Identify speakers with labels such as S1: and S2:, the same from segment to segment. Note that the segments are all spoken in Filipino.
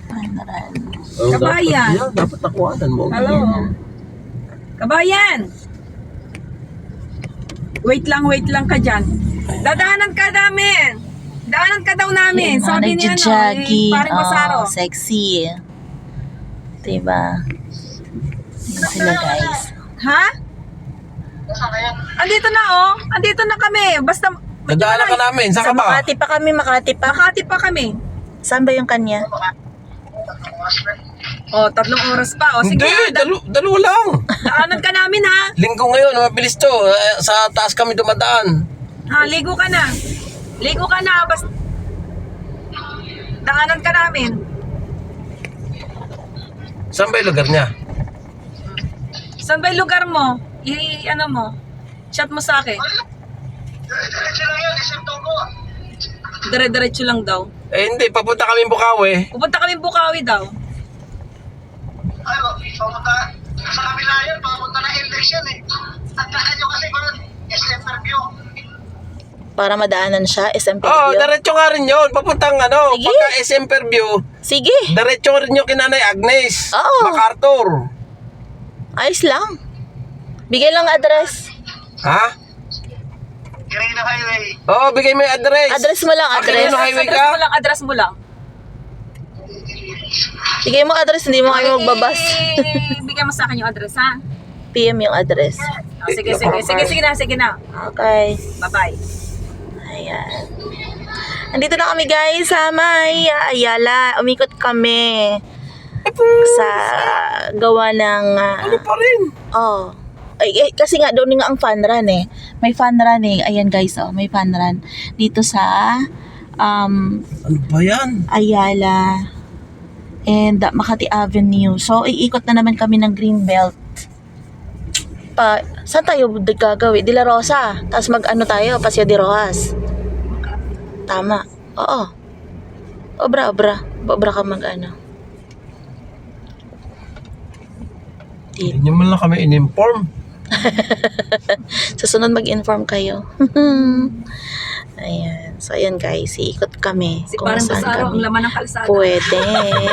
S1: Panran.
S2: Kabayan.
S3: Dapat nakuhanan mo.
S2: Hello. Kabayan. Wait lang ka dyan. Dadaanan ka namin. Daanan ka daw namin. Sabi niya
S1: Nagja-jogging.
S2: parang Basaro.
S1: Sexy. Diba? Yun sila guys.
S2: Ha? Andito na Andito na kami. Basta
S3: Nadaanan ka namin. Saan
S1: Sa
S3: ka ba?
S1: Makati pa kami, Makati pa.
S2: Makati pa kami.
S1: Saan ba yung kanya?
S2: 3 oras pa. Sige.
S3: Hindi, dalawa lang.
S2: Daanan ka namin ha.
S3: Linggo ngayon, mabilis to. Sa taas kami dumadaan.
S2: Ha, ligo ka na. Ligo ka na. Basta daanan ka namin.
S3: Saan ba yung lugar niya?
S2: Saan ba yung lugar mo? Ano mo? Chat mo sa akin. Dire-diretso lang daw.
S3: Hindi, papunta kami Bukawi.
S2: Pupunta kami Bukawi daw.
S4: Ay, papunta sa kabila yun, papunta na election eh. Tandaan nyo kasi kung SM Fairview.
S1: Para madaanan siya, SM
S3: Oo,
S1: Fairview.
S3: diretso nga rin yun. Papuntang
S1: Sige.
S3: pagka SM Fairview,
S1: Sige,
S3: diretso rin yung kinanay Agnes.
S1: Oo.
S3: MacArthur.
S1: ayos lang. Bigay lang address.
S3: Ha?
S4: Green Highway.
S3: Oo, bigay mo yung address.
S1: Address mo lang,
S3: Ano,
S1: address.
S3: highway
S2: Address
S3: ka?
S2: mo lang, address mo lang.
S1: Bigay mo address, hindi mo kami magbabas.
S2: Bigyan mo sa akin yung address ha.
S1: PM yung address.
S2: Sige na.
S1: Okay.
S2: Bye-bye.
S1: Ayan. Andito na kami guys sa may Ayala. Umikot kami sa gawa ng
S3: Ano pa rin?
S1: kasi nga doon nga ang fun run eh. May fun run eh. Ayan guys, may fun run dito sa
S3: Ano ba yan?
S1: Ayala and Makati Avenue. So iikot na naman kami ng Greenbelt. Saan tayo gagawin? De La Rosa. Tapos mag-ano tayo? Paseo de Rojas. Tama. Oo. Obra ka mag-ano.
S3: Hindi nyo man lang kami in-inform.
S1: Sa sunod mag-inform kayo. Ayan. So, ayan guys. Iikot kami.
S2: Si
S1: kung
S2: parang
S1: saan
S2: Basaro, ang
S1: kami
S2: laman ng kalsada.
S1: pwede.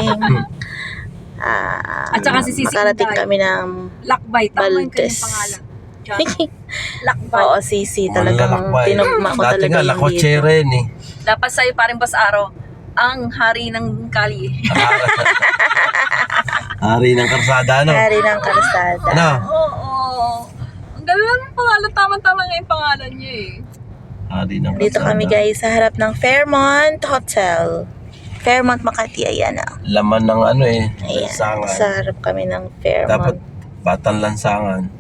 S2: At saka si Sisi
S1: makarating
S2: Inday.
S1: kami ng
S2: Lakbay, tama yung
S1: Baltes.
S2: kanyang pangalan. Diyan. Lakbay.
S1: Oo, Sisi. Talagang tinugma ko
S3: Dati
S1: talaga
S3: nga,
S1: yung
S3: lakotse
S1: dito.
S3: rin eh.
S2: Dapat sa'yo parang Basaro, ang hari ng kali.
S3: Hari ng karsada, ano?
S1: Hari ng kalsada.
S3: Ano?
S2: Oo. Ang galang ng pangalan, tama-tama nga yung pangalan niya eh.
S3: Hari ng karsada.
S1: Dito kami guys sa harap ng Fairmont Hotel. Fairmont Makati, ayan na.
S3: Laman ng ano eh.
S1: Ayan.
S3: Lansangan.
S1: Sa harap kami ng
S3: Dapat
S1: Fairmont.
S3: batang lansangan.